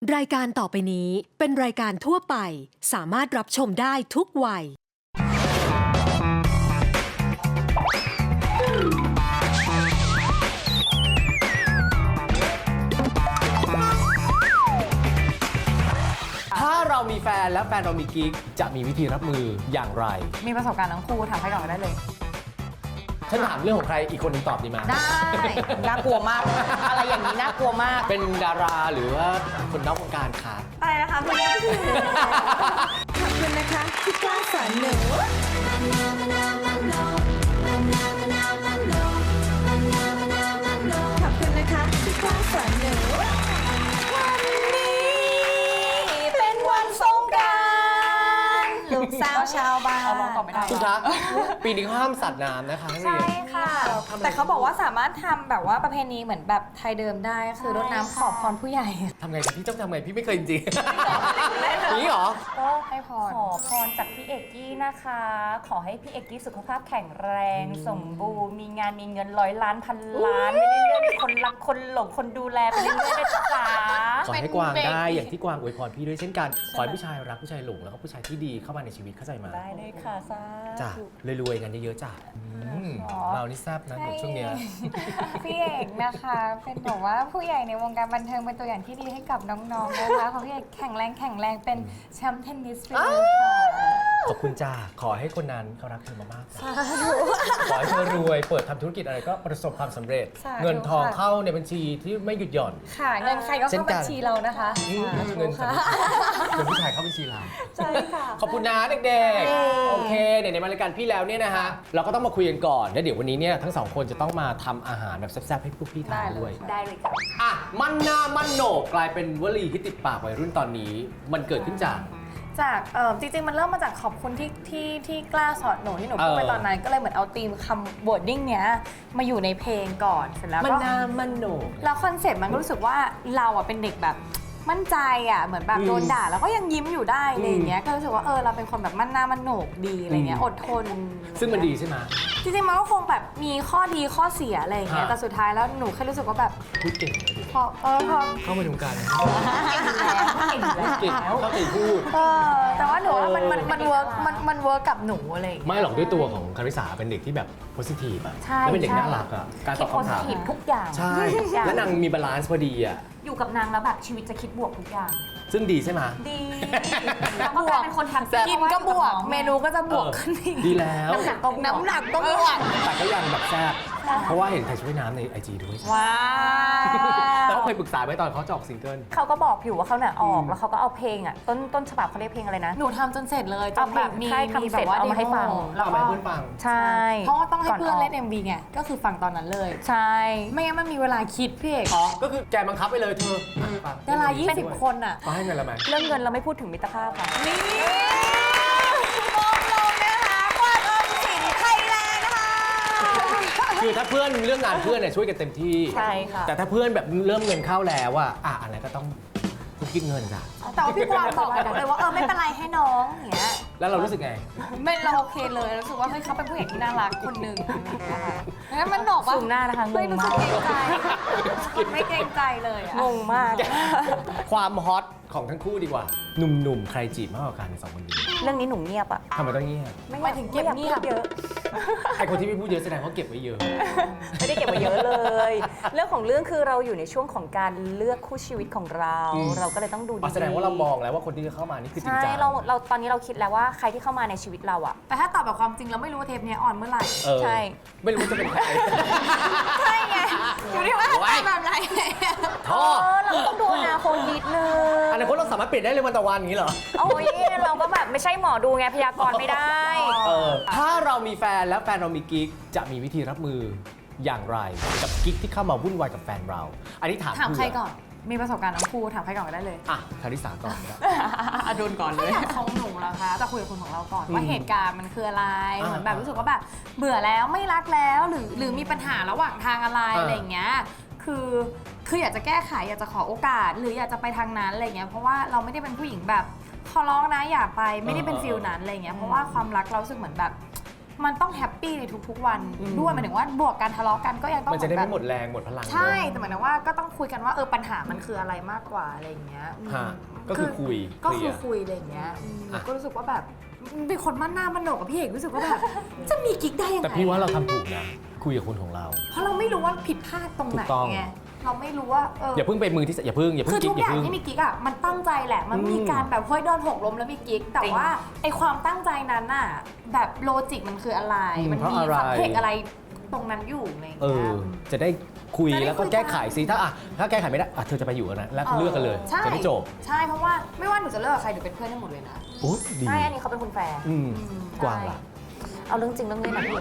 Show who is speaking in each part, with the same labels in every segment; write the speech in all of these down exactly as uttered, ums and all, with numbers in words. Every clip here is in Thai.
Speaker 1: รายการต่อไปนี้เป็นรายการทั่วไปสามารถรับชมได้ทุกวัย
Speaker 2: ถ้าเรามีแฟนและแฟนเรามีกิ๊กจะมีวิธีรับมืออย่างไร
Speaker 3: มีประสบการณ์ทั้งคู่ถามใครก่อนก็ได้เลย
Speaker 2: ฉันถามเรื่องของใครอีกคนหนึงตอบดีไหม
Speaker 3: ได้ น่ากลัวมาก อะไรอย่างนี้น่ากลัวมาก
Speaker 2: เป็นดาราหรือว่าคนนอกวงการคะ
Speaker 3: อะไรนะคะพี่
Speaker 1: ขอบคุณนะคะที่กล้าสอนหนูขอบคุณนะคะที่กล้าสอนหนู
Speaker 3: วันนี้เป็นวันสงกรานต์ลูกสาวชาวบ้านเอาลองตอบไม่ได้
Speaker 2: คุณคะปีนี้เขาห้ามสัตว์น้ำนะคะนักเรียน
Speaker 3: ใช่ค่ะแต่เขาบอกว่าสามารถทำแบบว่าประเพณีเหมือนแบบไทยเดิมได้คือรดน้ำขอพรผู้ใหญ่
Speaker 2: ทำไงพี่ต้องทำไงพี่ไม่เคยจริงๆนี่หรอ
Speaker 3: ก็ให้พร
Speaker 4: ขอพรจากพี่เอกกี้นะคะ ขอให้พี่เอกกี้สุขภาพแข็งแรง สมบูรณ์มีงานมีเงินร้อยล้านพันล้านไปเรื่อยๆมีคนรักคนหลงคนดูแลไปเรื่อยๆได้จ้า
Speaker 2: ขอให้กวางได้อย่างที่กวางอวยพรพี่ด้วยเช่นกันขอให้ผู้ชายรักผู้ชายหลงแล้วก็ผู้ชายที่ดีเข้ามาในชีวิตเข้าใจไหม
Speaker 4: ได้เลยค่ะซ่า
Speaker 2: จ้ะรวยๆกันเยอะๆจ้ะเรานี่แซ่บนะช่วงเนี้ย
Speaker 3: พี่เอกนะคะเป็นแบบว่าผู้ใหญ่ในวงการบันเทิงเป็นตัวอย่างที่ดีให้กับน้องๆนะคะขอพี่เอกแข็งแรงแข็งแรงเป็นแชมป์เทนนิสไปเลยค่ะ
Speaker 2: ขอบคุณจ้าขอให้คนนั้นเขารักเธอมากๆขอให้เธอรวยเปิดทำธุรกิจอะไรก็ประสบความสำเร็จเงินทองเข้าในบัญชีที่ไม่หยุดหย่อน
Speaker 3: ค่ะเงินใครก็เข้าบัญชีเรานะคะ
Speaker 2: เงินเงินผู้ชายเข้าบัญชีเรา
Speaker 3: ใช่ค่ะ
Speaker 2: ขอบคุณนะเด็กๆโอเคเดี๋ยวในรายการพี่แล้วเนี่ยนะฮะเราก็ต้องมาคุยกันก่อนแล้วเดี๋ยววันนี้เนี่ยทั้งสองคนจะต้องมาทำอาหารแบบแซ่บๆให้พวกพี่ทานด้วย
Speaker 4: ได้เลยค่ะ
Speaker 2: อ่ะมันหน้ามันโหนกกลายเป็นวลีที่ติดปากวัยรุ่นตอนนี้มันเกิดขึ้นจาก
Speaker 3: จากเออจริงๆมันเริ่มมาจากขอบคุณที่ที่ที่กล้าสอนหนูที่หนูพูดไปตอนนั้นก็เลยเหมือนเอาธีมคำ wording เนี้ยมาอยู่ในเพลงก่อนเสร็จแล้วก็
Speaker 2: มันหน้ามันโหนก
Speaker 3: แล้วคอนเซ็ปต์มันก็รู้สึกว่าเราอ่ะเป็นเด็กแบบมั่นใจอ่ะเหมือนแบบโดนด่าแล้วก็ยังยิ้มอยู่ได้อะไรอย่างเงี้ยก็รู้สึกว่าเออเราเป็นคนแบบมั่นหน้ามั่นโหนกดีอะไรเงี้ยอดทน
Speaker 2: ซึ่งมันดีใช่ไหม
Speaker 3: จริงๆมันก็คงแบบมีข้อดีข้อเสียอะไรอย่างเงี้ยแต่สุดท้ายแล้วหนูแค่รู้สึกว่าแบบ
Speaker 2: พูดเก่งเลย
Speaker 3: พอเออพอ
Speaker 2: เข้ามาดูกัน
Speaker 4: เก่งแล้ว
Speaker 2: เก่งแล้วเข้าใจพูด
Speaker 3: เออแต่ว่าหนูว่ามันมันมันเวิร์กมันมันเวิร์กกับหนูอะไร
Speaker 2: ไม่หรอกด้วยตัวของคาริสาเป็นเด็กที่แบบโพสิทีฟอ่ะแล้วเป็นเด็กน่ารักอ่ะการตอบคำถาม
Speaker 4: ทุกอย่าง
Speaker 2: ใช่แล้วนางมีบาลานซ์พอดีอ่ะ
Speaker 4: อยู่กับนางแล้วแบบชีวิตจะคิดบวกทุกอย่าง
Speaker 2: ซึ่งดีใช่ไหม
Speaker 4: ดีแล้วก็กลายเป็นคนทำแซ่บ
Speaker 3: กินก็บวกเมนูก็จะบวกขึ้นอีก
Speaker 2: ดีแล้ว
Speaker 3: น้ำหนักก็น้ำหนักก็บวก
Speaker 2: แต่ก็ยังแบบแซ่บเพราะว่าเห็นใครช่วยน้ำในไอจีด้วย
Speaker 3: ว้า
Speaker 2: แต่เขาเคยปรึกษาไว้ตอนเขาจะออกซิงเกิล
Speaker 4: เขาก็บอกอยู่ว่าเขาเนี่ยออกแล้วเขาก็เอาเพลงอ่ะต้นต้นฉบับเขาเรียกเพลงอะไรนะ
Speaker 3: หนูทำจนเสร็จเลยจนแบบมี
Speaker 4: มีแบบว่าเอามาให้ฟัง
Speaker 2: แล้วเอามาให้เพื่อนฟัง
Speaker 4: ใช่
Speaker 3: เพราะว่าต้องให้เพื่อนเล่น เอ็ม วี ไงก็คือฟังตอนนั้นเลย
Speaker 4: ใช่
Speaker 3: ไม่งั้นมันมีเวลาคิดพี่เอก
Speaker 2: อ๋อก็คือแกบังคับไปเลยเธอ
Speaker 3: ดารายี่สิบคนอ่ะ
Speaker 2: เขาให้เงินเราไหม
Speaker 4: เรื่องเงินเราไม่พูดถึงมิตรภาพค่ะ
Speaker 3: นี่มองลงนะคะกวาดออมสินไทยแลนด์นะคะ
Speaker 2: คือถ้าเพื่อนเรื่องงานเพื่อนเนี่ยช่วยกันเต็มที่
Speaker 4: ใช่ค่ะ
Speaker 2: แต่ถ้าเพื่อนแบบเริ่มเงินเข้าแล้วอะอ่ะอะไรก็ต้องคุกคิดเงินจ้ะ
Speaker 3: แต่ว่าพี่กวางบอกเลยว่าเออไม่เป็นไรให้น้องอย่างเงี้ย
Speaker 2: แล้วเรารู้สึกไง
Speaker 3: ไม่เราโอเคเลยรู้สึกว่าเฮ้ยเขาเป็นผู้ใหญ่ที่น่ารักคนหนึ่งนะคะงั้นมันหนอกว่า
Speaker 4: สูงหน้านะคะงงมาก
Speaker 3: ไม่เกรงใจเลย
Speaker 4: งงมาก
Speaker 2: ความฮอตของทั้งคู่ดีกว่าหนุ่มๆใครจีบมากกว่ากันในสองคนนี้
Speaker 4: เรื่องนี้หนุ่มเงียบอะ
Speaker 2: ทำไมต้องเงียบ
Speaker 3: ไม่ถึงเก็บเงียบ
Speaker 4: เยอะ
Speaker 2: ไอคนที่ไม่พูดเยอะแสดงว่าเก็บไว้เยอะ
Speaker 4: ไม่ได้เก็บไว้เยอะเลยเรื่องของเรื่องคือเราอยู่ในช่วงของการเลือกคู่ชีวิตของเราเราก็เลยต้องดูดี
Speaker 2: แสดงว่าเรามองแล้วว่าคนที่จะเข้ามานี่คือจริงจัง
Speaker 4: ใช่เราเราตอนนี้เราคิดแล้วว่าใครที่เข้ามาในชีวิตเราอะ
Speaker 3: แต่ถ้าตอบแบบความจริงเราไม่รู้ว่าเทปนี้ออนเมื่อไหร่
Speaker 4: ใช่
Speaker 2: ไม่รู้จะเป็นใคร
Speaker 3: ใช่ไงอยู่ที่ว่าแบบไหน
Speaker 2: ท่อ
Speaker 4: เราต้องดูอนาคตนิดนึง
Speaker 2: อนาคตเราสามารถเปลี่ยนได้เลยวันต่อวันอย่างนี้เหรอ
Speaker 4: โอ้ยเราก็แบบไม่ใช่หมอดูไงพยากรณ์ไม่ได้
Speaker 2: เออถ้าเรามีแฟนแล้วแฟนเรามีกิ๊กจะมีวิธีรับมืออย่างไรกับกิ๊กที่เข้ามาวุ่นวายกับแฟนเราอันนี้ถาม
Speaker 3: ถามใครก่อนมีประสบการณ์ทั้งคู่ถามใครก่อนก็ได้เลย
Speaker 2: อ่ะคาริสาก่อนก็
Speaker 3: อดุลก่อนเลยของหนูแล้วคะจะคุยกับคนของเราก่อนว่าเหตุการณ์มันคืออะไรเหมือนแบบรู้สึกว่าแบบเบื่อแล้วไม่รักแล้วหรือหรือมีปัญหาระหว่างทางอะไรอะไรอย่างเงี้ยคือคืออยากจะแก้ไขอยากจะขอโอกาสหรืออยากจะไปทางนั้นอะไรเงี้ยเพราะว่าเราไม่ได้เป็นผู้หญิงแบบขอร้องนะอย่าไปไม่ได้เป็นฟิลนั้นอะไรเงี้ยเพราะว่าความรักเราสึกเหมือนแบบมันต้องแฮปปี้ในทุกๆวันด้วยหมายถึงว่าบวกการทะเลาะกันก็ยังต้อง
Speaker 2: มันจะได้
Speaker 3: แบบ
Speaker 2: ไม่หมดแรงหมดพลัง
Speaker 3: ใช่
Speaker 2: เนอะ
Speaker 3: แต่หมายถึงว่าก็ต้องคุยกันว่าเออปัญหามันคืออะไรมากกว่าอะไรอย่างเงี้ย
Speaker 2: ฮะก็คือคุย
Speaker 3: ก็
Speaker 2: เคลี
Speaker 3: คื
Speaker 2: ย
Speaker 3: อ
Speaker 2: ร์
Speaker 3: คุยอะไรอย่างเงี้ยอืม
Speaker 2: อ่ะ
Speaker 3: ก็รู้สึกว่าแบบเป็นคนมั่นหน้ามั่นโหนกกับพี่เอกรู้สึกว่าแบบ จะมีกิ๊กได้ยังไง
Speaker 2: แต่พี่ว่าเราทำถูกนะคุยกับคนของเรา
Speaker 3: เพราะเราไม่รู้ว่าผิดพลาดตรงไหน
Speaker 2: ถูกต้อง
Speaker 3: ไงเราไม่รู้ว่าเออ
Speaker 2: อย่าเพิ่งไปมือที่อย่าเพิ่งอย่าเพิ่
Speaker 3: คื
Speaker 2: ง
Speaker 3: อ
Speaker 2: กิ๊
Speaker 3: ทุ
Speaker 2: ก
Speaker 3: ก
Speaker 2: อ
Speaker 3: อย่
Speaker 2: า
Speaker 3: ย่าง
Speaker 2: เพิ่ง
Speaker 3: ที่มีกิ๊กอ่ะมันตั้งใจแหละ มัน
Speaker 2: อืม
Speaker 3: มีการแบบเฮ้ยโดนหกล้มแล้วมีกิ๊กแต่
Speaker 4: จริง
Speaker 3: ว่าไอความตั้งใจนั้นน่ะแบบโลจิกมันคืออะไร
Speaker 2: อืม
Speaker 3: มัน
Speaker 2: เพราะ
Speaker 3: มี
Speaker 2: อะไร
Speaker 3: สัมเพกอะไรตรงนั้นอยู่อะไรอย่าง
Speaker 2: เอ
Speaker 3: เงี้
Speaker 2: อย จะได้คุย
Speaker 3: จะได้
Speaker 2: แล้วก็
Speaker 3: คุยกัน
Speaker 2: แก้ไขซิถ้าอ่ะถ้าแก้ไขไม่ได้อ่ะเธอจะไปอยู่กันนะแล้วเลือกกันเลย
Speaker 3: ใช่
Speaker 2: จะได้จบ
Speaker 3: ใช่เพราะว่าไม่ว่าหนูจะเลิกกับใครหนูเป็นเพื่อนได้หมดเลยนะ
Speaker 2: โอ้ดี
Speaker 4: ใช่อันนี้เขาเป็นคุณแฟร์
Speaker 2: อืมกวางล่ะ
Speaker 4: เอาเรื่องจริงเรื่องเล่นนะพี่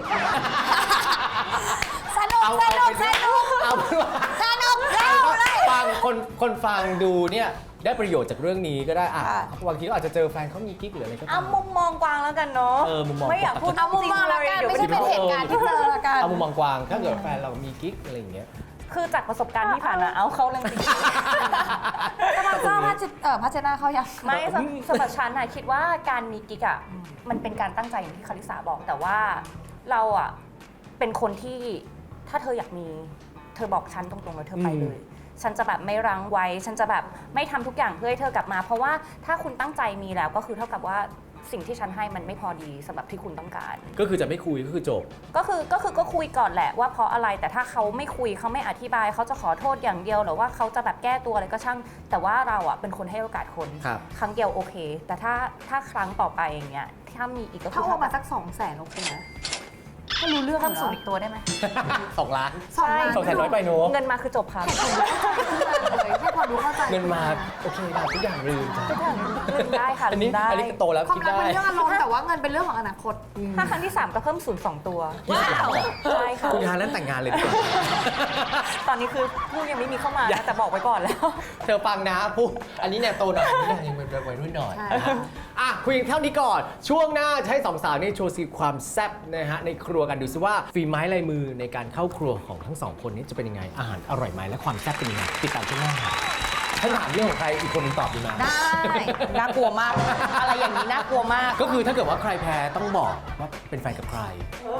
Speaker 3: สนุก
Speaker 2: เอา
Speaker 3: สนุก
Speaker 2: เอา
Speaker 3: ส
Speaker 2: เป็น
Speaker 3: นุก
Speaker 2: เอาเป็นว่า
Speaker 3: สนุกเล่าเลย
Speaker 2: ฟังคนคนฟังดูเนี่ยได้ประโยชน์จากเรื่องนี้ก็ได้อ่ะ
Speaker 4: ค่ะ
Speaker 2: บางทีก็อาจจะเจอแฟนเขามีกิ๊กหรืออะไรก็ตา
Speaker 4: เอา
Speaker 2: ม
Speaker 4: มุมมองกวางแล้วกันเนาะ
Speaker 2: เออมุมมอง
Speaker 4: ไม่อยากพูด
Speaker 3: เอามุมมองละกันไม่ใช่เป็นเหตุการณ์ที่เจอละกัน
Speaker 2: เอามุมมองกวางถ้าเกิดแฟนเรามีกิ๊กอะไรอย่างเงี้ย
Speaker 4: คือจากประสบการณ์ที่ผ่านมาเอาเขาเรื่องจริง
Speaker 3: กำลังเจ้าพัชเออพัชนาเขายัง
Speaker 4: ไม่สำสำหรับฉันนะคิดว่าการมีกิ๊กอ่ะมันเป็นการตั้งใจอย่างที่คาริสาบอกแต่ว่าเราอ่ะเป็นคนที่ถ้าเธออยากมีเธอบอกฉันตรงๆแล้วเธอไปเลย ฉันจะแบบไม่รั้งไว้ ฉันจะแบบไม่ทำทุกอย่างเพื่อให้เธอกลับมา เพราะว่าถ้าคุณตั้งใจมีแล้วก็คือเท่ากับว่าสิ่งที่ฉันให้มันไม่พอดีสำหรับที่คุณต้องการ
Speaker 2: ก็คือจะไม่คุยก็คือจบ
Speaker 4: ก็คือก็คือก็คุยก่อนแหละว่าเพราะอะไรแต่ถ้าเขาไม่คุยเขาไม่อธิบายเขาจะขอโทษอย่างเดียวหรือว่าเขาจะแบบแก้ตัวอะไรก็ช่าง แต่ว่าเราอ่ะเป็นคนให้โอกาสคน
Speaker 2: ครับ
Speaker 4: ครั้งเดียวโอเค แต่ถ้าถ้าครั้งต่อไปอย่างเงี้ยถ้ามีอีกก็คื
Speaker 3: ถ้า
Speaker 4: อ
Speaker 3: โอ
Speaker 4: เท่า
Speaker 3: มา
Speaker 4: กับ
Speaker 3: สักสองแสนโอเคนะถ้ารู้เรื่อง
Speaker 4: เพิ่ม
Speaker 3: เหร
Speaker 4: สู
Speaker 3: อ
Speaker 4: งอีกตัวได้ไหม
Speaker 2: สองล้าน
Speaker 3: สองล้าน
Speaker 2: สองแสนน้อยไปเนอะ
Speaker 4: เงินมาคือจบค่ะ
Speaker 3: เลยแค่พอรู้เข้าใจ
Speaker 2: เงินมาโอเคได้ทุกอย่างลืมจ้ะ
Speaker 4: ลืมได้ค่ะ
Speaker 2: อัน
Speaker 4: ลื
Speaker 2: นี้
Speaker 4: มได้
Speaker 2: อันนี้โตแล้ว
Speaker 3: ความ
Speaker 2: คิด
Speaker 3: รัก
Speaker 2: ได้
Speaker 3: เป็นเรื่องอารมณ์แต่ว่าเงินเป็นเรื่องของอนาคต
Speaker 4: ถ้าครั้งที่สามก็เพิ่มศูนย์สองตัว
Speaker 2: ว้าว
Speaker 4: ใช่ค่ะ
Speaker 2: คุณฮานั้นแต่งงานเลยดีกว่า
Speaker 4: ตอนนี้คือลูกยังไม่มีเข้ามานะแต่บอกไว้ก่อนแล้ว
Speaker 2: เธอฟังนะปุ๊บอันนี้เนี่ยโตหน่อยอันนี้เนี่ยยังเป็นวัยรุ่นหน่อย
Speaker 3: ใช่
Speaker 2: นะฮะอ่ะคุยเท่านี้ก่อน ช่วงหน้าจะให้สองสาวนี่โชว์สีความแซ่บนะฮะในครัวกันดูซิว่าฝีไม้ลายมือในการเข้าครัวของทั้งสองคนนี้จะเป็นยังไงอาหารอร่อยไหมและความแซ่บเป็นยังไงติดตามช่วงหน้าค่ะถ้าถามเรื่องของใครอีกคนหนึงตอบดีไหม
Speaker 3: ได้
Speaker 4: น่ากลัวมาก อะไรอย่างนี้น่ากลัวมาก
Speaker 2: ก็คือถ้าเกิดว่าใครแพ้ต้องบอกว่าเป็นแฟนกับใคร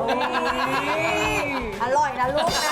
Speaker 3: อร่อยนะลูกนะ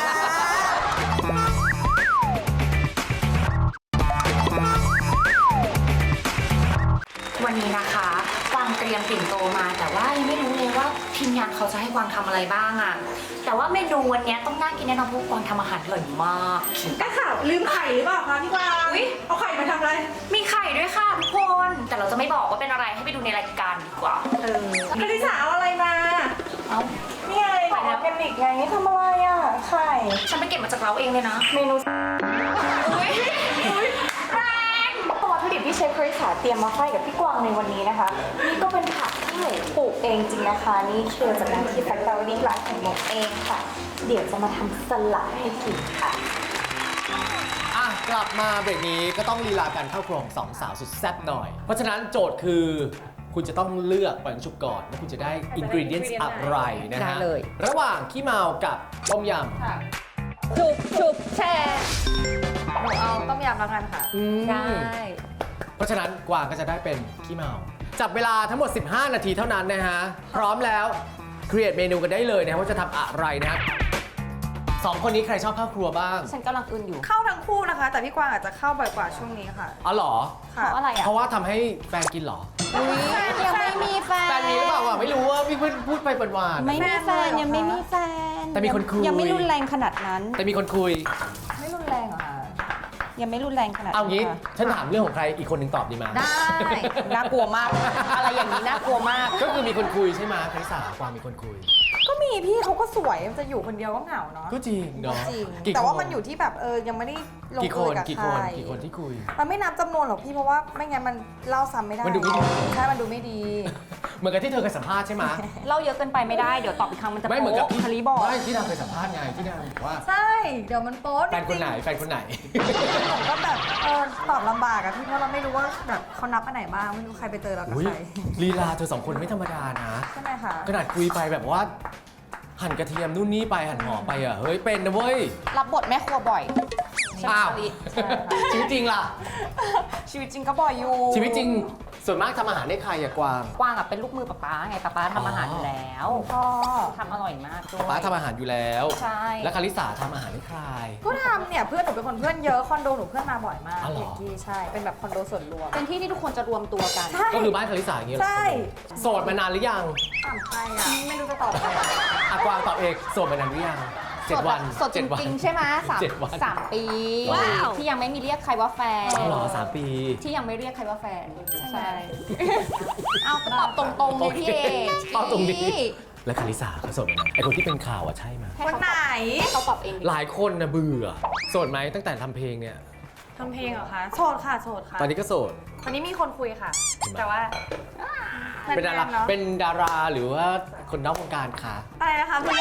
Speaker 5: วันนี้นะคะกวางเตรียมปิ่นโตมาแต่ว่ายังไม่รู้เลยว่าทีมงานเขาจะให้กวางทำอะไรบ้างอะแต่ว่าเมนูวันนี้ต้องน่ากินแน่นอนเพราะกวางทำอาหารอร่อยมาก
Speaker 6: ได้ข่าวลืมไข่หรือเปล่าคะพี่กวาง
Speaker 5: อุ๊ย
Speaker 6: เอาไข่มาทำอะไร
Speaker 5: มีไข่ด้วยค่ะทุกคนแต่เราจะไม่บอกว่าเป็นอะไรให้ไปดูในรายการดีกว่า
Speaker 6: เออคณิสาเอาอะไรมา
Speaker 5: เอ้า
Speaker 6: นี่ไงของออร์แกนิกไงนี่ทำอะไรอ่ะ ไข่
Speaker 5: ฉันไปเก็บมาจากเราเองเลยนะ
Speaker 6: เมนู
Speaker 5: อุ๊ยแรง
Speaker 6: วัตถุดิบที่เชฟคริสหาเตรียมมาให้กับพี่กวางในวันนี้นะคะ นี่ก็เป็นผักที่หนูปลูกเองจริงนะคะ นี่เชื่อจากงานที่แฟคทอรี่ร้านของหนูเองค่ะ เดี๋ยวจะมาทำสลัดให้กินค่ะ
Speaker 2: อ่ะกลับมาเบรกนี้ก็ต้องลีลาการเข้าครัวของสองสาวสุดแซ่บหน่อย เพราะฉะนั้นโจทย์คือคุณจะต้องเลือกปังฉุบก่อนว่าคุณจะได้อินกรีเดียนต์อะไรนะฮะ
Speaker 4: ได้เลย
Speaker 2: ระหว่างขี้เมากับต้มย
Speaker 4: ฉุบฉุบแชร์
Speaker 3: หนูเอาต้มยำแล้วกันค่ะ
Speaker 2: ำอืม
Speaker 4: ได้
Speaker 2: เพราะฉะนั้นกวางก็จะได้เป็นขี้เมา จับเวลาทั้งหมด สิบห้า นาทีเท่านั้นนะฮะ พร้อมแล้วครีเอทเมนูกันได้เลยนะฮะว่าจะทำอะไรนะฮะสองคนนี้ใครชอบเข้าครัวบ้าง
Speaker 4: ฉันกำลังอึนอยู่
Speaker 6: เข้าทั้งคู่นะคะ แต่พี่กวางอาจจะเข้าบ่อยกว่าช่วงนี้ค่ะ
Speaker 2: อ๋อเหรอ
Speaker 4: เพราะอะไรอ่ะ
Speaker 2: เพราะว่าทำให้แฟนกินเหรอ
Speaker 4: ยังไม่มีแฟน
Speaker 2: แฟนมีหรือเปล่าวะไม่รู้ว่าพี่เพิ่งพูดไปหวานๆ
Speaker 7: ไม่มีแฟนยังไม่มีแฟน
Speaker 2: แต่มีคนคุย
Speaker 7: ยังไม่รุนแรงขนาดนั้น
Speaker 2: แต่มีคนคุย
Speaker 3: ไม่รุนแรงเหรอคะ
Speaker 7: ยังไม่รุนแรงขนาด
Speaker 2: เอา
Speaker 7: นั้น
Speaker 2: งี้
Speaker 7: ค่ะ
Speaker 2: ฉันถามเรื่องของใครอีกคนหนึ่งตอบดีไหม
Speaker 3: ได้
Speaker 4: น่ากลัวมาก อะไรอย่างนี้น่ากลัวมาก
Speaker 2: ก็คือมีคนคุยใช่ไหมคริสาความมีคนคุย
Speaker 6: ก็มีพี่เขาก็สวยมันจะอยู่คนเดียวก็เหงาเนาะ
Speaker 2: ก็จริงเนาะ
Speaker 6: จริง
Speaker 2: กี่
Speaker 6: แต่ว่า
Speaker 2: ค
Speaker 6: มันอยู่ที่แบบเออยังไม่ได้ลง
Speaker 2: กี่ค
Speaker 6: เอย
Speaker 2: น
Speaker 6: กับ
Speaker 2: กี่
Speaker 6: ใค
Speaker 2: ค
Speaker 6: ร
Speaker 2: นกี่คนที่คุย
Speaker 6: มันไม่นับจำนวนหรอกพี่เพราะว่าไม่งั้นมันเล่าซ้ำไม่ได้
Speaker 2: มันดูไม่ดี
Speaker 6: ใช่มันดูไม่ดี
Speaker 2: เหมือนกับที่เธอเคยสัมภาษณ์ใช่ไหม
Speaker 4: เล่าเยอะเกินไปไม่ได้ เดี๋ยวตอบอีกครั้งมันจะ
Speaker 2: ไม่เหมือนกับ
Speaker 4: โป๊ะ
Speaker 2: ที่
Speaker 4: คาริบอก
Speaker 2: ไม่ที่นางเคยสัมภาษณ์ไงที่นางบอกว่า
Speaker 6: ใช่ เดี๋ยวมันโป๊ะ
Speaker 2: แฟนคนไหนแฟนคนไหน
Speaker 6: ผมก็แบบเออตอบลำบากอะพี่เพราะเราไม่รู้ว่าแบบเขานับอันไหนบ้างไม่รู้ใครไปเจอเรากับ
Speaker 2: อุ้ย
Speaker 6: ใคร
Speaker 2: ลีลาเธอสองคนไม่ธรรมดานะ
Speaker 6: ใช่ไหมคะ
Speaker 2: ขนาดคุยไปแบบว่า หั่นกระเทียมนู่นนี่ไปหั่นหอมไปอ่ะเฮ้ยเป็นนะเว้ย
Speaker 4: รับบทแม่ครัวบ่อย
Speaker 2: อ้าว
Speaker 4: ใช่
Speaker 2: ชีวิตจริงล่ะ
Speaker 4: ชีวิตจริงก็บ่อยอยู่
Speaker 2: ชีวิตจริงส่วนมากทำอาหารให้ใครอะกวาง
Speaker 5: กวางอ่ะเป็นลูกมือป๊าป๊าไงป๊าป๊าทำอาหารอยู่แล้ว
Speaker 7: พ่อ
Speaker 5: ทำอร่อยมากด้วย
Speaker 2: ป้าทำอาหารอยู่แล้ว
Speaker 5: ใช่
Speaker 2: แล้วคาริสาทำอาหารให้ใคร
Speaker 6: ก็ทำเนี่ยเพื่อนหนูเป็นคนเพื่อนเยอะคอนโดหนูเพื่อนมาบ่อยมาก
Speaker 2: อ๋อเหรอ
Speaker 6: เอกกี้ใช่ เป็นแบบคอนโดส่วนรวม
Speaker 5: เป็นที่ที่ทุกคนจะรวมตัวกัน
Speaker 6: ใช่
Speaker 2: ก็คือบ้านคาริสาอย่างเงี้ยเหรอ
Speaker 6: ใช่
Speaker 2: โสดมานานหรือยัง
Speaker 6: ถามใครอ่ะไม่รู้จะตอบใครอะ
Speaker 2: อะกวางตอบเองโสดมานานหรือยังเจ็ดวัน
Speaker 5: สดจ
Speaker 2: เจ็ดวัน
Speaker 5: ริงๆใช่ไหมสาม
Speaker 2: เจ็ดวัน
Speaker 5: สามปี
Speaker 2: ว้าว
Speaker 5: ที่ยังไม่มีเรียกใครว่าแฟน
Speaker 2: อ๋อเหรอสามปี
Speaker 5: ที่ยังไม่เรียกใครว่าแฟน
Speaker 6: ใช่
Speaker 5: เอาก็ตอบตรงๆเลยพี่เอก
Speaker 2: ตอบตรงนี้แล้วคาริสาเขาโสดมานานไอคนที่เป็นข่าวอะใช่ไหม
Speaker 5: ให้
Speaker 6: วัน
Speaker 5: เขา
Speaker 6: ไหน
Speaker 5: ให้เขาตอบเองดิ
Speaker 2: หลายคนนะเบื่อโสดไหมตั้งแต่ทำเพลงเนี่ย
Speaker 6: ทำเพลงเหรอคะโสดค่ะโสดค่ะ
Speaker 2: ตอนนี้ก็โสด
Speaker 6: ตอนนี้มีคนคุยค่ะ
Speaker 2: เห็นไหม
Speaker 6: แต่ว่า
Speaker 2: เป็นดารา
Speaker 6: เนาะ
Speaker 2: เป็นดาราหรือว่าคนนอกวงการคะ
Speaker 6: อะไรนะคะพี่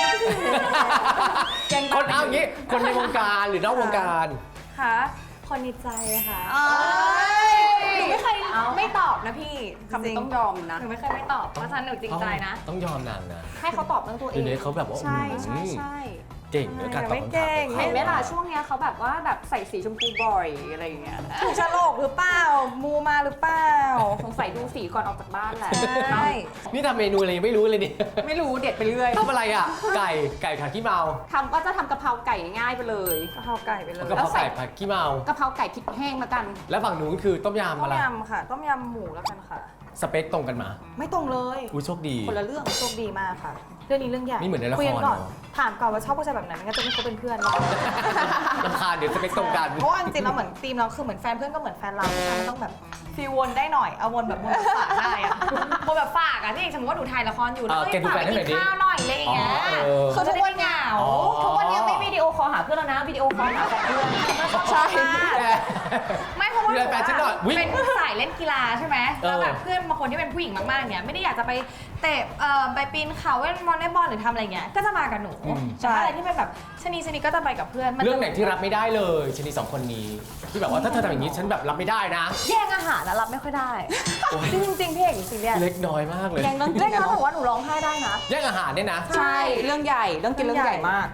Speaker 2: คนเอาอย่างนี้คนในวงการหรือนอกวงการ
Speaker 6: ค่ะคนในใจค่ะ
Speaker 5: เอ้ย
Speaker 6: หนูไม่เคยไม่ตอบนะพี่
Speaker 5: คำนี้ต้องยอมนะ
Speaker 6: หนูไม่เคยไม่ตอบเพราะฉะนั้นหนูจริงใจนะ
Speaker 2: ต้องยอมนางนะ
Speaker 5: ให้เขาตอบเรื่องตัวเอ
Speaker 2: เดี๋ยว
Speaker 5: ง
Speaker 2: นี้เขาแบบว่า
Speaker 5: ใช่ใช่
Speaker 2: อืม
Speaker 5: ใช่
Speaker 2: เก่งในการตอบคำถามของ
Speaker 6: ไม่เก่ง
Speaker 2: เขา
Speaker 5: เห็นไหมล่ะช่วงเนี้ยเขาแบบว่าแบบใส่สีชมพูบ่อยอะไรอย่างเงี้ย
Speaker 6: ถูกฉลกหรือเปล่า มูมาหรือเปล่า
Speaker 5: สงสัยดูสีก่อนออกจากบ้านแหละ
Speaker 6: ใช่
Speaker 2: นี่ทำเมนูอะไรยังไม่รู้เลยเนี่ย
Speaker 5: ไม่รู้เด็ดไปเรื่อย
Speaker 2: ทำอะไรอ่ะ ไก่ไก่ผัดขี้เมา
Speaker 5: ทำก็จะทำกะเพราไก่ง่ายไปเลย
Speaker 6: กะเพราไก่ไปเลย
Speaker 2: กะเพราไก่ผัดขี้เมา
Speaker 5: กะเพราไก่พริกแห้งละกัน
Speaker 2: แล้วฝั่งนู้นคือต้มยำ
Speaker 6: ต้
Speaker 2: อะ
Speaker 6: ม
Speaker 2: ไร
Speaker 6: ยำค่ะ ต้มยำหมูแล้วกันค่ะ
Speaker 2: สเปคตรงกันมา
Speaker 6: ไม่ตรงเลย
Speaker 2: อุ้ยโชคดี
Speaker 6: คนละเรื่องโชคดีมากค่ะ เรื่องนี้เรื่องใหญ่
Speaker 2: นี่เหมือนในละคร
Speaker 6: คุยกันก่อน
Speaker 2: เนอะ
Speaker 6: ถามก่อนว่าชอบผู้ชายแบบไหนไม่งั้นจะไม่คบเป็นเพื่อนเรา
Speaker 2: ลำคาญเดี๋ยวสเปคตรงกัน
Speaker 6: เพราะว่าจริงๆเราเหมือนทีมเราคือเหมือนแฟนเพื่อนก็เหมือนแฟนเราผู้ชายมันต้องแบบฟีลวนได้หน่อยเอาวนแบบวนแบบฝากได้อะวนแบบฝากอะที่อย่างสมมติว่าหนูถ่ายละครอยู่แล้ว
Speaker 2: เออ
Speaker 6: เอ้ย
Speaker 2: แกดู
Speaker 6: ฝาก
Speaker 2: แฟ
Speaker 6: ไป
Speaker 2: นให้หน่
Speaker 6: กิ
Speaker 2: อยดิ
Speaker 6: นข้าวหน่อยอะไรอย่างเงี้ย
Speaker 2: อ๋อเออ
Speaker 6: คือทุกวันเหงา
Speaker 2: อ๋อ
Speaker 5: ทุกวันนี้ไม่วิดีโอคอลหาเพื่อนแล้วนะ วิดีโอคอลหาแฟนเพื่อน
Speaker 6: ใช่
Speaker 2: แก
Speaker 6: ไม่เพราะว่า
Speaker 2: ดูแลแฟนฉันหน่อยอุ๊ย
Speaker 6: เป็นสายเล่นกีฬาใช่ไหม
Speaker 2: เออ
Speaker 6: แล้วแบบเพื่อนบางคนที่เป็นผู้หญิงมากๆเนี่ยไม่ได้อยากจะไปเตะเอ่อไปปีนเขาเล่นวอลเลย์บอลหรือทำอะไรเงี้ยก็จะมากับหนู
Speaker 2: อืม
Speaker 6: แต่ถ้าอะไรที่เป็นแบบชะนีชะนีก็จะไปกับเพื่อนมัจะ
Speaker 2: เรื่องไหนที่รับไม่ได้เลยชนีสองคนนี้ ที่แบบว่าถ้าเธอทำอย่างนี้ฉันแบบรับไม่ได้นะ
Speaker 6: แย่งอาหารนะรับไม่ค่อยได้
Speaker 2: โอ๊ย
Speaker 6: จริงจริงๆพี่เอกจริงๆเนี่ย
Speaker 2: เล็กน้อยมากเลย
Speaker 5: ยังต้องกิ
Speaker 6: เล่
Speaker 5: น
Speaker 6: น
Speaker 5: นะ
Speaker 6: แล้ว
Speaker 5: เนาะ
Speaker 6: บอกว่าหนูร้องไห้ได้นะ
Speaker 2: แย่งอาหารเนี่ยนะ
Speaker 5: ใช่ เรื่องใหญ่ เรื่องกินเรื่องใหญ่มาก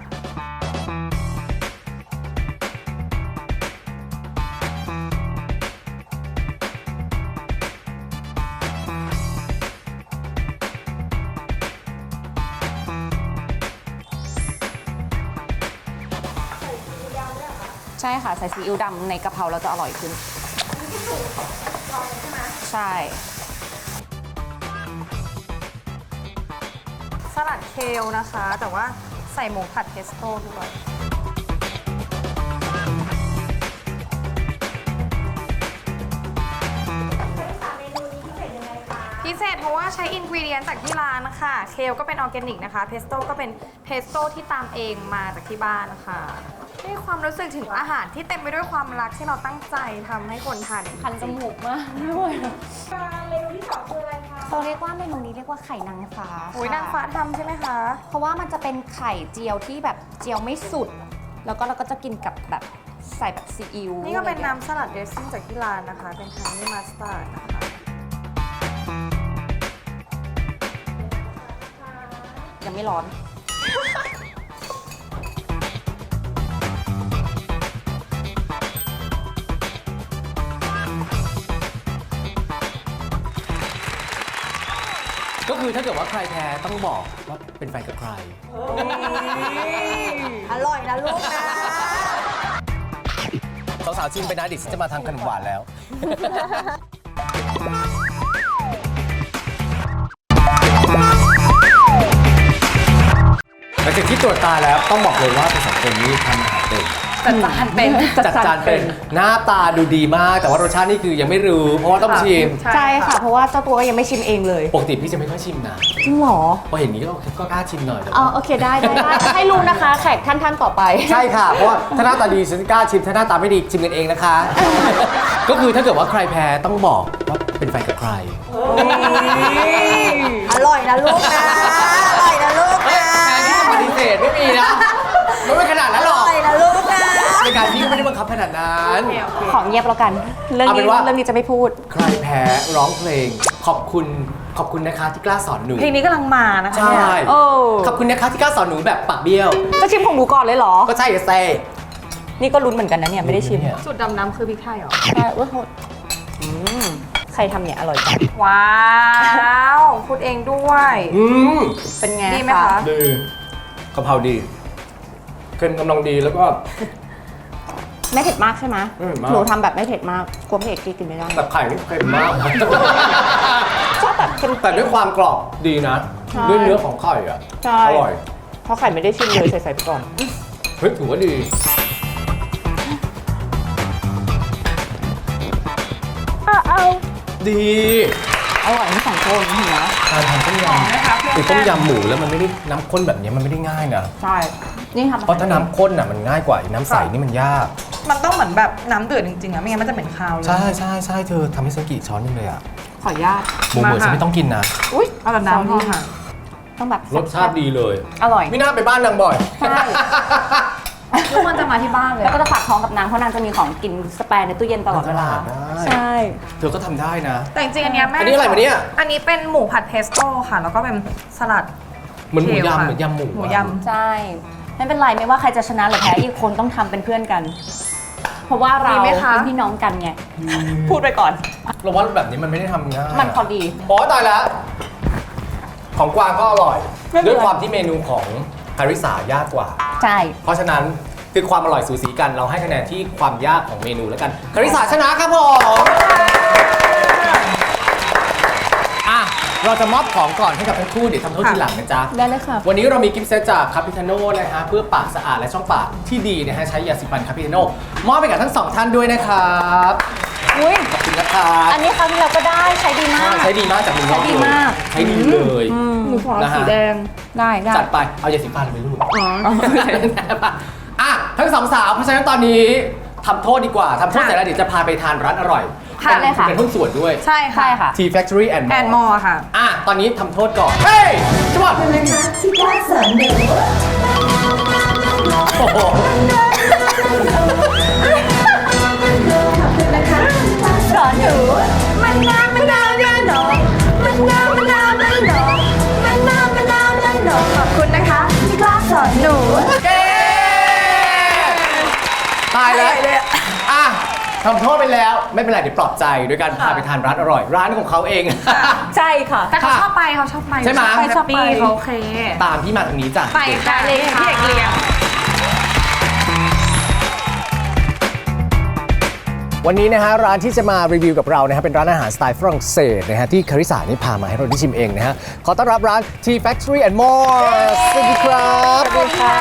Speaker 5: ใช่ค่ะ ใส่ซีอิ๊วดำในกะเพราเราจะอร่อยขึ้น ใช่
Speaker 6: สลัดเคลนะคะ แต่ว่าใส่หมูผัดเพสโต้ด้วยพิเศษเพราะว่าใช้อินกรีเดียนจากที่ร้านนะคะเคลก็เป็นออร์แกนิกนะคะเพสโต้ก็เป็นเพสโต้ที่ตามเองมาจากที่บ้านนะคะให้ความรู้สึกถึงอาหารที่เต็มไปด้วยความรักที่เราตั้งใจทำให้คนทาน
Speaker 5: คันจมูกมากด้วยเมนูที่สองคืออะไรคะเขาเรียกว่าเมนูนี้เรียกว่าไข่นางฟ้า
Speaker 6: โอ้ยนางฟ้าทำใช่ไหมคะ
Speaker 5: เพราะว่ามันจะเป็นไข่เจียวที่แบบเจียวไม่สุด แล้วก็เราก็จะกินกับแบบใส่แบบซีอิ๊ว
Speaker 6: นี่ก็เป็นน้ำสลัดเดรสซิ่งจากที่ร้านนะคะ เป็นฮันนี่มัสตาร์ดนะคะ
Speaker 5: ยังไม่ร้อน
Speaker 2: ก็คือถ้าเกิดว่าใครแพ้ต้องบอกว่าเป็นแฟนกับใคร
Speaker 6: อร่อยนะลูกนะ
Speaker 2: สาวๆชิมไปนะดิฉันจะมาทำขนมหวานแล้ว หลังจากที่ตรวจตาแล้วต้องบอกเลยว่าเป็นสองคนนี้ทำอาหารเป็น
Speaker 5: จัดจานเป็น
Speaker 2: จัดจานเป็นหน้าตาดูดีมาก แต่ว่ารสชาตินี่คือยังไม่รู้ เพราะว่าต้องชิม
Speaker 5: ใช่ค่ะ เพราะว่าเจ้าตัวก็ยังไม่ชิมเองเลย
Speaker 2: ปกติพี่จะไม่ค่อยชิมนะ
Speaker 5: จริงเหรอ
Speaker 2: พอเห็นนี้ก็ก็กล้าชิมหน่อยแต่
Speaker 5: อ๋อ
Speaker 2: ว่า
Speaker 5: โอเคได้ได้ได้ ให้รู้นะคะ แขกท่านท่านต่อไป
Speaker 2: ใช่ค่ะ เพราะว่าถ้าหน้าตาดีฉันกล้าชิม ถ้าหน้าตาไม่ดีชิมกันเองนะคะ ก็คือถ้าเกิดว่าใครแพ้ต้องบอกว่าเป็นแฟนกับใคร
Speaker 6: อร่อยนะลูกนะ อร่อยนะลูก
Speaker 2: เฮ้ย
Speaker 6: นะ
Speaker 2: แพ้ที่จะปฏิเสธไม่มีนะมันไม่ขนาดนั้นหร
Speaker 6: อ
Speaker 2: อก
Speaker 6: ร่อยนะลูกนะ
Speaker 2: ในการที่ไม่ได้บังคับขนาดนั้น
Speaker 5: ขอเงียบแล้วกัน เรื่อง
Speaker 2: เอาเป็
Speaker 5: นี้
Speaker 2: นว่า
Speaker 5: เรื่องนี้จะไม่พูด
Speaker 2: ใครแพ้ร้องเพลง ขอบคุณขอบคุณนะคะที่กล้าสอนหนู
Speaker 6: เพลงนี้กำลังมานะคะ
Speaker 2: ใช่
Speaker 6: เนี่ย
Speaker 5: โอ้
Speaker 2: ขอบคุณนะคะที่กล้าสอนหนูแบบปากเบี้ยว
Speaker 5: จะชิมของหนูก่อนเลยเหรอ
Speaker 2: ก็ใช่อะเซ่
Speaker 5: นี่ก็ลุ้นเหมือนกันนะเนี่ย ไม่ได้ชิม
Speaker 2: เนี่ย
Speaker 6: สูตรดำน้ำคือพริกไทยเหรอ
Speaker 5: ใช่ว่าโทษ
Speaker 2: ส
Speaker 7: ใครทำเนี่ยอร่อยจัง
Speaker 3: ว้าวพูดเองด้วย
Speaker 2: อืม
Speaker 7: เป็นไง
Speaker 3: ดีไหมคะ
Speaker 2: ดีกะเพราดีเค็มกำลังดีแล้วก็
Speaker 7: ไม่เผ็ดมากใช่ไหม
Speaker 2: ไม่เผ็ดมาก
Speaker 7: หนูทำแบบไม่เผ็ดมากกลัวพี่เอกกินไม่ได้
Speaker 2: แบบไข่นี่เค็มมาก
Speaker 7: ชอบแบบเค็ม
Speaker 2: แต่ด้วยความกรอบดีนะ
Speaker 7: ใช่
Speaker 2: ด้วยเนื้อของไข่อ่ะ
Speaker 7: ใช่
Speaker 2: อร่อย
Speaker 7: เพราะไข่ไม่ได้ชิมเลยใส่ใส่ไปก่อน
Speaker 2: เฮ้ยถือว่าดีดี
Speaker 7: อร่อยทั้งสองคนเห็นไหม
Speaker 2: การทำต้มยำคือต้มยำหมูแล้วมันไม่ได้น้ำข้นแบบนี้มันไม่ได้ง่ายนะ
Speaker 7: ใช่ นี่ทำ
Speaker 2: เพราะถ้าน้ำข้นอ่ะมันง่ายกว่าน้ำใสนี่มันยาก
Speaker 8: มันต้องเหมือนแบบน้ำเดือดจริงๆอะไม่งั้นมันจะเหม็นคาวเลย
Speaker 2: ใช่ใช่ใช่เธอทำให้ฉันกี่ช้อนนึงเลยอ่ะ
Speaker 7: ขออนุญาต
Speaker 2: หมูเหมือนฉันไม่ต้องกินนะ
Speaker 8: อุ้ยเอาแต่น้ำพอค่ะ
Speaker 7: ต้องแบบ
Speaker 2: รสชาติดีเลย
Speaker 7: อร่อย
Speaker 2: ไม่น่าไปบ้านนางบ่อย
Speaker 7: ใช่
Speaker 3: ทุกคนจะมาที่บ้านเลย
Speaker 5: แล้วก็จะฝากท้องกับนางเพราะนางจะมีของกินสแปร์ในตู้เย็นตลอดเวลา
Speaker 2: ได้
Speaker 7: ใช่
Speaker 2: เธอก็ทำได้นะ
Speaker 3: แต่จริงๆอันเนี้ยแม่
Speaker 2: อันนี้อะไรวะเนี่ย
Speaker 3: อันนี้เป็นหมูผัดเพสโต้ค่ะ แล้วก็เป็นสลัด
Speaker 2: เหมือนหมู
Speaker 3: เทล
Speaker 2: ยำ
Speaker 3: ค่ะ
Speaker 2: เหมือนยำหมู
Speaker 3: หมู
Speaker 2: อะ
Speaker 3: ย
Speaker 5: ใช่ ไม่เป็นไรไม่ว่าใครจะชนะหรือแพ้อีกคนต้องทำเป็นเพื่อนกัน เพราะว่าเรา
Speaker 3: ดีไหมคะ
Speaker 5: เป็นพี่น้องกันไง
Speaker 7: พูดไปก่อน
Speaker 2: เราว่าแบบนี้มันไม่ได้ทำง่าย
Speaker 5: มันพอดี
Speaker 2: โอ้ตายแล้ว ของกวางก็อร่อย
Speaker 7: ไม่เป็นไร
Speaker 2: ด้วยความที่เมนูของคาริสายากกว่า
Speaker 5: ใช่
Speaker 2: เพราะฉะนั้นคือความอร่อยสูสีกันเราให้คะแนนที่ความยากของเมนูแล้วกันคาริสาชนะครับผมอ่ะเราจะมอบของก่อนให้กับทั้งคู่เดี๋ยวทำโทษทีหลังนะจ๊ะ
Speaker 7: ได้เลยค่ะ
Speaker 2: วันนี้เรามีกิฟต์เซตจากคาปิทาโน่นะฮะเพื่อปากสะอาดและช่องปากที่ดีนะฮะใช้ยาสีฟันคาปิทาโน่มอบไปกับทั้งสองท่านด้วยนะครับ
Speaker 5: อุ้ย
Speaker 2: ขอบคุณนะครับ
Speaker 5: อันนี้ครั้งที่เราก็ได้ใช้ดีมาก
Speaker 2: ใช้ดีมากจากมือน้อง
Speaker 5: ใช้ดีมาก
Speaker 2: ใช้ดีเลย
Speaker 7: หนูขอ
Speaker 2: นะฮะ
Speaker 7: สีแดง ได้ได้
Speaker 2: จัดไปเอายาสีฟันไปลูก
Speaker 7: อ๋อ
Speaker 2: อ่ะทั้งสองสาวเพราะฉะนั้นตอนนี้ทำโทษดีกว่าทำโทษเสร็จแล้วเดี๋ยวจะพาไปทานร้านอร่อย
Speaker 3: ค่ะ
Speaker 2: เป็น
Speaker 5: เลยค่ะ
Speaker 2: เป็นหุ้นส่วนด้วย
Speaker 3: ใช่ค่ะ
Speaker 5: ใช่ค่ะ
Speaker 2: Tea Factory and
Speaker 3: แอน
Speaker 2: More
Speaker 3: มอค่ะ
Speaker 2: อ่ะตอนนี้ทำโทษก่อน เฮ้ยจังหวะโอ้โห
Speaker 5: สอนหนูมันน้ำมันน้ำมันหนองมันน้ำมันน้ำมันหนองมันน้ำมันน้ำมันหนองขอบคุณนะคะที่กล้าสอนหนู
Speaker 2: เย้ตายแล้วอ่ะทำโทษไปแล้วไม่เป็นไรเดี๋ยวปลอบใจโดยการพาไปทานร้านอร่อย ร้านของเขาเอง
Speaker 5: ใช่ค่ะ
Speaker 3: แต่เขาชอบไปเขาชอบไป
Speaker 2: ใช่ไหม
Speaker 3: ไปชอบไปเขาโอเค
Speaker 2: ตามพี่มาทางนี้จ้ะ
Speaker 3: ไปค่ะเลยพี่เอกเลี้ยง
Speaker 2: วันนี้นะฮะร้านที่จะมารีวิวกับเรานะฮะเป็นร้านอาหารสไตล์ฝรั่งเศสนะฮะที่คาริสานี่พามาให้เราได้ชิมเองนะฮะขอต้อนรับร้าน Tea Factory and More สวัสดีครับสวัสดีค่ะ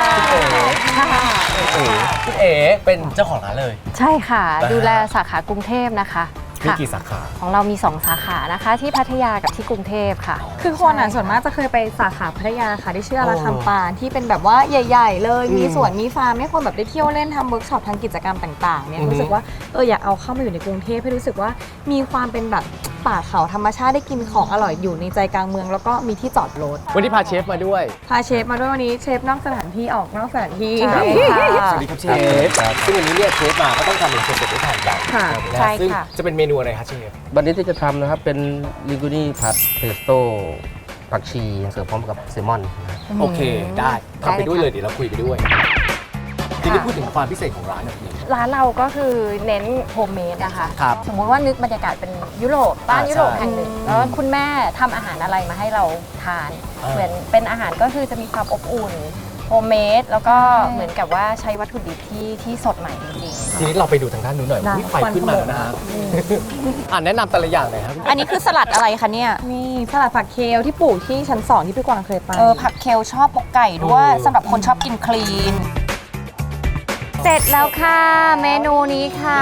Speaker 2: คุณเอ๋เป็นเจ้าของร้านเลย
Speaker 9: ใช่ค่ะ
Speaker 2: นะฮะ
Speaker 9: ดูแลสาขากรุงเทพนะคะ
Speaker 2: มี
Speaker 9: ค่ะ
Speaker 2: กี่สาขา
Speaker 9: ของเรามีสองสาขานะคะ ที่พัทยากับที่กรุงเทพค่ะ
Speaker 3: คือคนอ่ะส่วนมากจะเคยไปสาขาพัทยาค่ะที่ชื่ออาราคัมปานที่เป็นแบบว่าใหญ่ ๆ เลย มีสวนมีฟาร์มให้คนแบบได้เที่ยวเล่นทำเวิร์กช็อปทางกิจกรรมต่างๆเนี่ย
Speaker 2: อือฮึ
Speaker 3: รู้สึกว่าเอออยากเอาเข้ามาอยู่ในกรุงเทพให้รู้สึกว่ามีความเป็นแบบป่าเขาธรรมชาติได้กินของอร่อยอยู่ในใจกลางเมือง แล้วก็มีที่จอดรถ
Speaker 2: วันนี้พาเชฟมาด้วย
Speaker 3: พาเชฟมาด้วยวันนี้เชฟนอกสถานที่ออกนอกสถานที่
Speaker 9: ใช่ค่ะ
Speaker 2: สวัสดีครับเชฟซึ่งวันนี้เนี่ยเชฟมาก็ต้องทำเมนูสดๆให้ทานกัน
Speaker 3: ค่ะ
Speaker 2: นะ
Speaker 9: ใช่
Speaker 2: ซึ่ง
Speaker 9: ค่ะ
Speaker 2: จะเป็นเมนูอะไรคะเชฟ
Speaker 10: วันนี้ที่จะทำนะครับเป็นลิกูนี่ผัดเพสโต้ผักชีเสิร์ฟพร้อมกับแซลมอนนะครับ
Speaker 2: โอเคได้ทำไปด้วย
Speaker 9: ได้
Speaker 2: เล
Speaker 9: เลย
Speaker 2: ยเดี๋ยวเราคุยไปด้วยทีนี้พูดถึงความพิเศษของร้านหน่อยพี่
Speaker 9: ร้านเราก็คือเน้นโฮมเมดนะคะ
Speaker 2: ครับ
Speaker 9: สมมติว่านึกบรรยากาศเป็นยุโรปบ้าน
Speaker 2: อ่า
Speaker 9: ยุโรป
Speaker 2: ใช่
Speaker 9: แห่งหนึ่งแล้วคุณแม่ทำอาหารอะไรมาให้เราทาน
Speaker 2: อ่า
Speaker 9: เหมือนเป็นอาหารก็คือจะมีความอบอุ่นโฮมเมดแล้วก็เหมือนกับว่าใช้วัตถุดิบที่ที่สดใหม่จริงๆ
Speaker 2: ทีนี้เราไปดูทางด้านนู้นหน่อย
Speaker 3: ได้
Speaker 2: อุ๊ยไฟขึ้นมาแล้วนะฮะอ่านแนะนำแต่ละอย่างหน่อยครับ
Speaker 7: อันนี้คือสลัดอะไรคะเนี่ย
Speaker 3: นี่สลัดผักเคลที่ปลูกที่ชั้นสองที่พี่กวางเคยไป
Speaker 5: เออผักเคลชอบปกไก่ด้วย
Speaker 2: โอ้
Speaker 5: สำหรับคนชอบกินคลีน
Speaker 9: เสร็จแล้วค่ะ เมนูนี้ค่ะ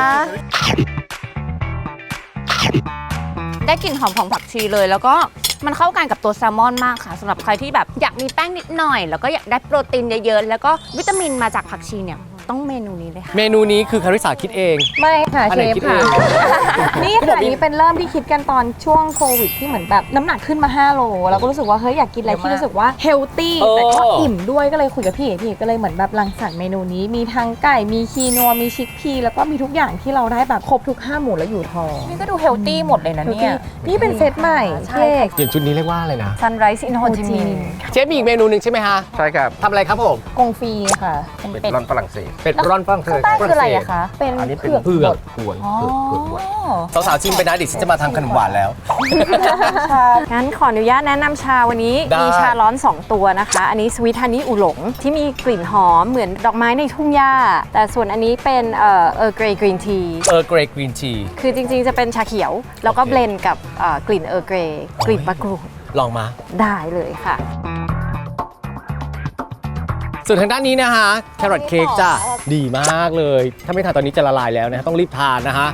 Speaker 5: ได้กลิ่นหอมของผักชีเลย แล้วก็มันเข้ากันกับตัวแซลมอนมากค่ะสำหรับใครที่แบบอยากมีแป้งนิดหน่อย แล้วก็อยากได้โปรตีนเยอะๆ แล้วก็วิตามินมาจากผักชีเนี่ยต้องเมนูนี้เลยค่ะ
Speaker 2: เมนูนี้คือคาริสาคิดเอง
Speaker 3: ไม่ค่ะ
Speaker 2: อัน
Speaker 3: เช
Speaker 2: ไหน
Speaker 3: ฟ
Speaker 2: คิด
Speaker 3: ค่ะ
Speaker 2: เอง
Speaker 3: นี่ค่ะนี้เป็นเริ่มที่คิดกันตอนช่วงโควิดที่เหมือนแบบน้ำหนักขึ้นมาห้าโลแล้วก็รู้สึกว่าเฮ้ยอยากกินอะไรที่รู้สึกว่าเฮลตี้
Speaker 2: เออ
Speaker 3: แต่ก็อิ่มด้วยก็เลยคุยกับพี่เอกพี่เอกก็เลยเหมือนแบบรังสรรค์เมนูนี้มีทั้งไก่มีคีนัวมีชิคพีแล้วก็มีทุกอย่างที่เราได้แบบครบทุกห้าหมู่แล้วอยู่ท้อง
Speaker 5: นี่ก็ดูเฮลตี้หมดเลยนะเนี่ย
Speaker 3: นี่เป็นเซตใหม่
Speaker 9: ใช่
Speaker 3: พี่เอก
Speaker 2: อย่างชุดนี้เรียกว่าอะไรนะ
Speaker 5: Sunrise in Ho Chi Minh
Speaker 2: เชฟมีอีกเมนูหนึ่งใช่ไหมฮะ
Speaker 10: ใช่ครับ
Speaker 2: ทำอะไรครับผม
Speaker 3: กงฟรีค่ะ
Speaker 10: เป็นร่อนฝรั่งเศส
Speaker 2: เป็ดร่อนฝรั่งเศส
Speaker 5: ข้างใต้คืออะไรอะคะ
Speaker 3: เป็น
Speaker 10: อันนี้เป็น
Speaker 2: เผือก
Speaker 10: กวนเผือกเผือกบด
Speaker 2: สาวๆชิมไปนะเดี๋ยวฉันจะมาทำขนมหวานแล้ว
Speaker 9: งั้นขออนุญาตแนะนำชาวันนี้
Speaker 2: ได้
Speaker 9: มีชาร้อน สอง ตัวนะคะ อันนี้สวีทฮันนี่อูหลงที่มีกลิ่นหอมเหมือนดอกไม้ในทุ่งหญ้า แต่ส่วนอันนี้เป็นเอ่อเออร์เกรย์กรีนที
Speaker 2: เออเกรย์กรีนที
Speaker 9: คือจริงๆจะเป็นชาเขียว แล้วก็เบลนด์กับเอ่อกลิ่นเออร์เกรย์กลิ่นมะกรูด
Speaker 2: ลองมา
Speaker 9: ได้เลยค่ะ
Speaker 2: ส่วนทางด้านนี้นะฮะแครอทเค้กจ้ะดีมากเลย ถ้าไม่ทานตอนนี้จะละลายแล้วนะฮะต้องรีบทานนะฮะ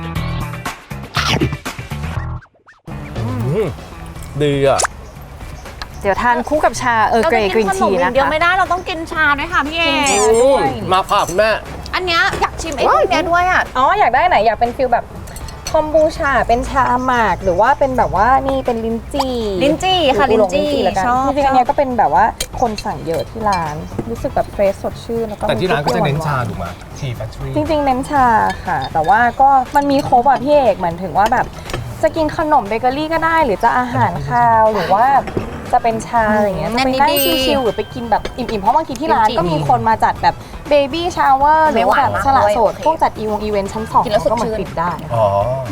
Speaker 2: อืมดีอ่ะ
Speaker 9: เดี๋ยวทานคู่กับชาเออร์เกรย์กรีนที
Speaker 5: เราจะกินขนมอย่าง
Speaker 9: นะ
Speaker 5: เดียว
Speaker 9: คะ
Speaker 5: ไม่ได้เราต้องกินชาด้วยค่ะพี่เอ
Speaker 2: อืมมาค่ะคุณแม่
Speaker 5: อันเนี้ยอยากชิมไอ้พวกเนี้ยด้วยอ่ะ
Speaker 9: อ๋ออยากได้ไหนอยากเป็นฟิลแบบคอมบูชาเป็นชาหมากหรือว่าเป็นแบบว่านี่เป็นลิ้นจี่
Speaker 5: ลิ้นจี่ค่ะลิ้นจี่
Speaker 9: แล้วกัน
Speaker 5: ชอบ
Speaker 9: จริงๆอันเนี้ยก็เป็นแบบว่าคนสั่งเยอะที่ร้านรู้สึกแบบเฟรชสดชื่นแล้วก็
Speaker 2: แต่ที่ร้านก็จะเน้นชา
Speaker 9: มี
Speaker 2: ถูกไหมทีแฟคทอรี่
Speaker 9: จริงๆเน้นชาค่ะ แต่ว่าก็มันมีครบอ่ะพี่เอกเหมือนถึงว่าแบบจะกินขนมเบเกอรี่ก็ได้ หรือจะอาหารคาวหรือว่าจะเป็นชาอะไรอย่างเงี้ยจะไปนั่งชิลๆหรือไปกินแบบอิ่มๆเพราะบางทีที่ร้านก็มีคนมาจัดแบบเบบี้ชาวเวอร์หรือว่าแบบสละโสดพวกจัดอีวงอีเวนต์ชั้นสองก็เหมือนปิดได้
Speaker 2: อ๋อ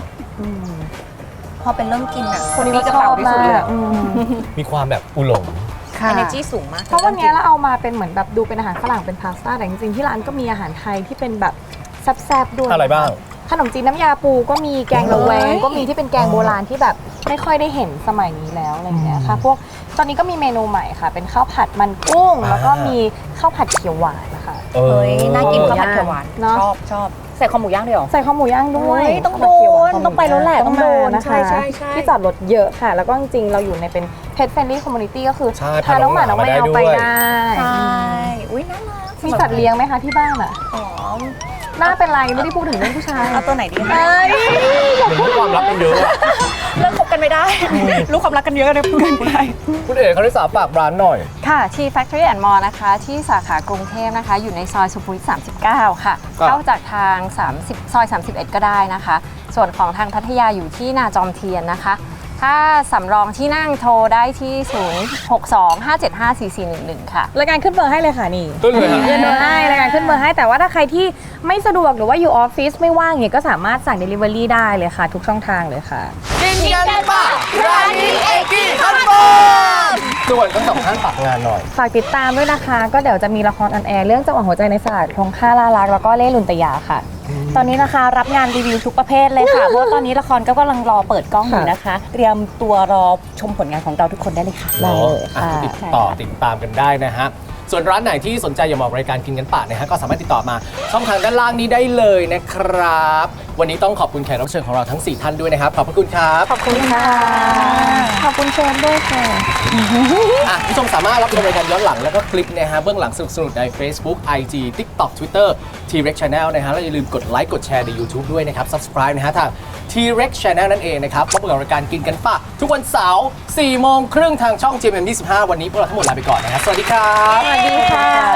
Speaker 5: พอเป็นเริ่มกินอ่ะ
Speaker 9: คนนี้ก็ชอบมากอืม
Speaker 2: มีความแบบอุหลง
Speaker 9: ค่ะ
Speaker 5: energy สูงมาก
Speaker 9: เพราะวันนี้เราเอามาเป็นเหมือนแบบดูเป็นอาหารฝรั่งเป็นพาสต้าแต่จริงๆที่ร้านก็มีอาหารไทยที่เป็นแบบแซ่บๆด้วย
Speaker 2: อะไรบ้าง
Speaker 9: ขนมจีนน้ำยาปูก็มีแกงระแวงก็มีที่เป็นแกงโบราณที่แบบไม่ค่อยได้เห็นสมัยนี้แล้วอะไรอย่างเงี้ยค่ะพวกตอนนี้ก็มีเมนูใหม่ค่ะ เป็นข้าวผัดมันกุ้ง แล้วก็มีข้าวผัดเขียวหวานนะคะ
Speaker 2: เออ
Speaker 5: เฮ้ยน่ากินข้าวผัดเขียวหวาน
Speaker 9: เนอะ
Speaker 5: ชอบชอบใส่คอหมูย่างด้วยเหรอ
Speaker 9: ใส่ข้าวหมูย่างด้วย
Speaker 5: เฮ้ยต้อง
Speaker 9: ข้าวผัเขียวหวา
Speaker 5: โดนต้องไปแล้วแหละ
Speaker 9: ต้องโดน
Speaker 5: ต้องมา
Speaker 9: นะคะ
Speaker 5: ใช่ใช่ใช่
Speaker 9: ที่จอดรถเยอะค่ะ แล้วก็จริงๆเราอยู่ในเป็น pet friendly community ก็คือ
Speaker 2: ใช่
Speaker 9: พาน้องหมาน้องแมวไป
Speaker 2: พาน้องหมามาได้ด้วย
Speaker 9: ได้
Speaker 5: ใช่อุ้ยน่ารัก
Speaker 9: มีสัตว์เลี้ยงไหมคะที่บ้านอ่ะ
Speaker 5: อ๋อ
Speaker 9: หน้าเป็นไรไม่ได้พูดถึงเรื่องผู้ชาย
Speaker 5: เอาตัวไหนดีคะ
Speaker 9: เอ้ย
Speaker 2: มันมีความลับกันเยอะอะ
Speaker 5: เลิกคบกันไม่ได้ รู้ความรักกันเยอะเลยพูดกันไม่ได้
Speaker 2: คุณเอ๋เขาได้สาฝากร้านหน่อย
Speaker 9: ค่ะ ที่ Factory and Mall นะคะ ที่สาขากรุงเทพนะคะ อยู่ในซอยสุขุมวิทสามสิบเก้า ค่ะ
Speaker 2: ครับ
Speaker 9: เข้าจากทาง30ซอยสามสิบเอ็ดก็ได้นะคะ ส่วนของทางพัทยาอยู่ที่นาจอมเทียนนะคะ ถ้าสำรองที่นั่งโทรได้ที่ ศูนย์ หก สอง ห้า เจ็ด ห้า สี่ สี่ หนึ่ง หนึ่ง ค่ะ รายการขึ้นเบอร์ให้เลยค่ะนี่
Speaker 2: ขึ้นเลยฮะ
Speaker 9: ขึ้นเบอร์ให้รายการขึ้นเบอร์ให้แต่ว่าถ้าใครที่ไม่สะดวกหรือว่าอยู่ออฟฟิศไม่ว่างเนี่ยก็สามารถสั่ง Delivery ได้เลยค่ะ ทุกช่องทางเลยค่ะ
Speaker 2: กินกันป่ะร้านนี้เอกี้คอนเฟิร์มส่วนทั้งสองท่านฝากงานหน่อย
Speaker 9: ฝากติดตามด้วยนะคะ ก็เดี๋ยวจะมีละครออนแอร์เรื่องจังหวะหัวใจในศาสตร์ทงค่าล่ารักแล้วก็เล่ลุนตยาค่ะ
Speaker 7: ตอนนี้นะคะรับงานรีวิวทุกประเภทเลยค่ะ เพราะว่าตอนนี้ละครก็กำลังรอเปิดกล้องอยู่นะคะ เตรียมตัวรอชมผลงานของเราทุกคนได้เลยค่ะ
Speaker 9: ได้เลยค่ะ
Speaker 2: อ่ะติดต่อติดตามกันได้นะฮะ ส่วนร้านไหนที่สนใจอยากมาออกรายการกินกันปะนะฮะก็สามารถติดต่อมาช่องทางด้านล่างนี้ได้เลยนะครับ วันนี้ต้องขอบคุณแขกรับเชิญของเราทั้งสี่ท่านด้วยนะครับ ขอบพระคุณครับ
Speaker 9: ขอบคุณค่ะ ขอบคุณเชฟด้วยค่ะ
Speaker 2: อ่ะผู้ชมสามารถรับชมรายการย้อนหลังแล้วก็คลิปนะฮะเบื้องหลังสนุกๆใน Facebook ไอ จี TikTok Twitter T-Rex Channel นะฮะแล้วอย่าลืมกดไลค์กดแชร์ใน YouTube ด้วยนะครับ Subscribe นะฮะทาง T-Rex Channel นั่นเองนะครับพบกับรายการกินกันปะทุกวันเสาร์สี่โมงครึ่งทางช่อง จี เอ็ม เอ็ม ยี่สิบห้า วันนี้พวกเราทั้งหมดลาไปก่อนนะฮะสวัสดีครับ
Speaker 9: สวัสดีค่ะ